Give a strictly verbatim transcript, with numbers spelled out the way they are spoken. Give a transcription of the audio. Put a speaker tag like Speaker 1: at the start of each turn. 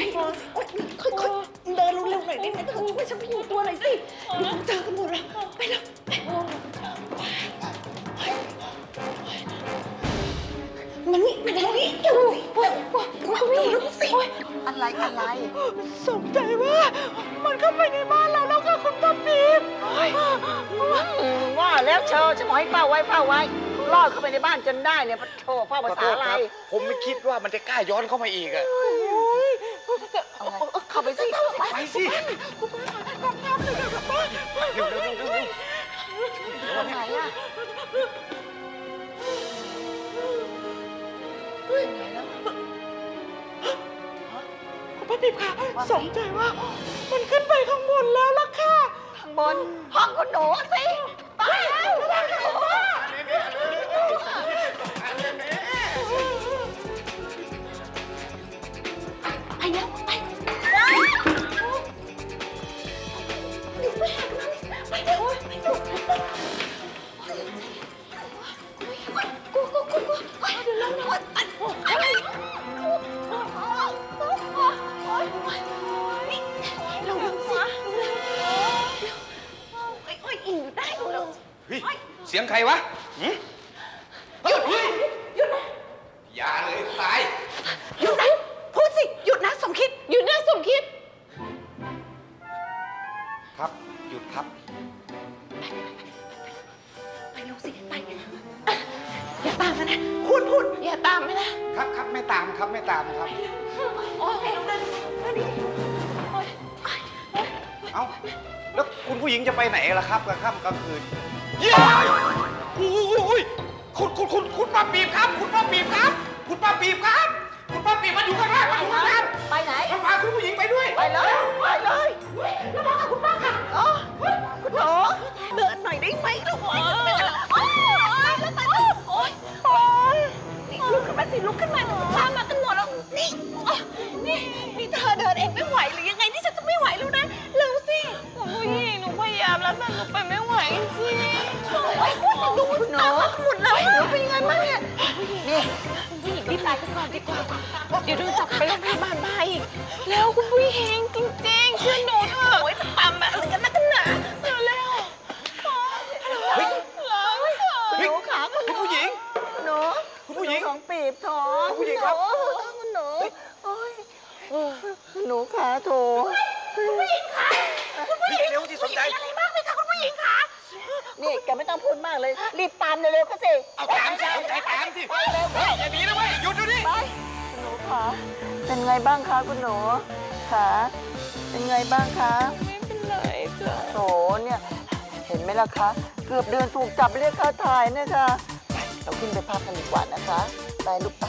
Speaker 1: ค่อยๆเดินเร็วๆหน่อยได้ไหมเธอช่วยฉันพยุงตัวหน่อยสิเดี๋ยวเจอกันหมดแล้วไปแล้วไปมันนี่มันนี่เดี๋ยวสิมันนี่เดี๋ยวสิอะไรอะไรสงใจว่ามันเข้าไปในบ้านเราแล้วค่ะคุณป้าปี๊บว่าแล้วเชอฉันบอกให้เฝ้าไว้เฝ้าไว้ลอดเข้าไปในบ้านจนได้เนี่ยโธ่เฝ้าภาษาอะไร
Speaker 2: ผมไม่คิดว่ามันจะกล้าย้อนเข้ามาอีกอะ
Speaker 1: เข้าไปสิ
Speaker 2: ไปสิเร็วเร็วเร็วเร็ว
Speaker 1: ไหนอะคุณป้าปิ๊บค่ะสนใจว่ามันขึ้นไปข้างบนแล้วล่ะค่ะข้างบนห้องคุณหนูสิไปแล้วไปแล้วไปดูไปหาดูไปเดี๋ยวไปดูกูกูกูกูเดี๋ยวลงนะอะไรเราดูสิโอ้ยโอ้ยอิ่มได้ดูแล้ว
Speaker 2: เฮ้ยเสียงใครวะหยุดหยุดนะอย่าเลยตาย
Speaker 1: หยุดนะพูดสิหยุดนะสมคิดหยุดนะสมคิด
Speaker 2: ครับหยุดครับ
Speaker 1: ไปเร็วสิไปอย่าตามมานะพูดพูดอย่าตามมานะครับ
Speaker 2: ครับไม่ตามครับไม่ตามครับ
Speaker 1: โอ้ยเดินเดินดิ
Speaker 2: เอ้าแล้วคุณผู้หญิงจะไปไหนล่ะครับกลางค่ำกลางคืนเย้โอ้ยคุณคุณคุณคุณป้าปีบครับคุณป้าปีบครับคุณป้าปีบครับคุณป้าปีบมาอยู่ข้างล่างมาอยู่ข้างล่าง
Speaker 1: ไปไหน
Speaker 2: มาพาคุณผู้หญิงไปด้วย
Speaker 1: ไปเลยไปเลยแล้วมากับคุณป้าค่ะอ๋อคุณหนูเดินหน่อยได้ไหมลูกโอ้ยโอ้ยแล้วไปโอ้ยโอ้ยลุกขึ้นมาสิลุกขึ้นมาตามมากันหมดแล้วนี่นี่นี่เธอเดินเองไม่ไหวหรือยังไงนี่ฉันจะไม่ไหวแล้วนะเร็วสิ
Speaker 3: คุณผู้หญิงหนูพยายามแล้วแต่หนูไปไม่ไหวจริง
Speaker 1: โอ้ยคุณดูคุณหนูหมุนแล้วหนูเป็นยังไงบ้างเนี่ยนี่คุณผู้หญิงรีบตายกันก่อนดีกว่าเดี๋ยวโดนจับไปโรงพยาบาลมาอีก
Speaker 3: แล้วคุณผู้หญิงจริงๆเชื่อหนูเถอะ
Speaker 1: โอ้ยจะปั๊มอะไรกันนักกันหนา
Speaker 3: เร็วเร็ว
Speaker 2: เฮ้ย
Speaker 1: คุณหนูขาคุณ
Speaker 2: คุณผู้หญิง
Speaker 1: หนู
Speaker 2: คุณผู้หญิง
Speaker 1: ของปีบท้อง
Speaker 2: คุณผู้หญิงครับ
Speaker 1: คุณหนูโอ้ยหนูขาโถคุณผู้หญิงขาคุณผู้หญิง
Speaker 2: เร็วที่สนใจ
Speaker 1: อะไรมากเลยค่ะคุณผู้หญิงขานี่แกไม่ต้องพูดมากเลยรีบตามเร็วๆก็สิ
Speaker 2: เอาตามสิเอาใจตามสิ
Speaker 1: ไปเร็วไป
Speaker 2: อย่าหนีนะเว้ยหยุดดูดิ
Speaker 1: ไปคุณหนูขาเป็นไงบ้างคะคุณหนูขาเป็นไงบ้างคะ
Speaker 3: ไม่เป็นไรจ้ะ
Speaker 1: โถเนี่ยเห็นไหมล่ะคะเกือบเดินถูกจับเรียกค่าถ่ายนะคะไปเราขึ้นไปพักกันดีกว่านะคะไปลูกไป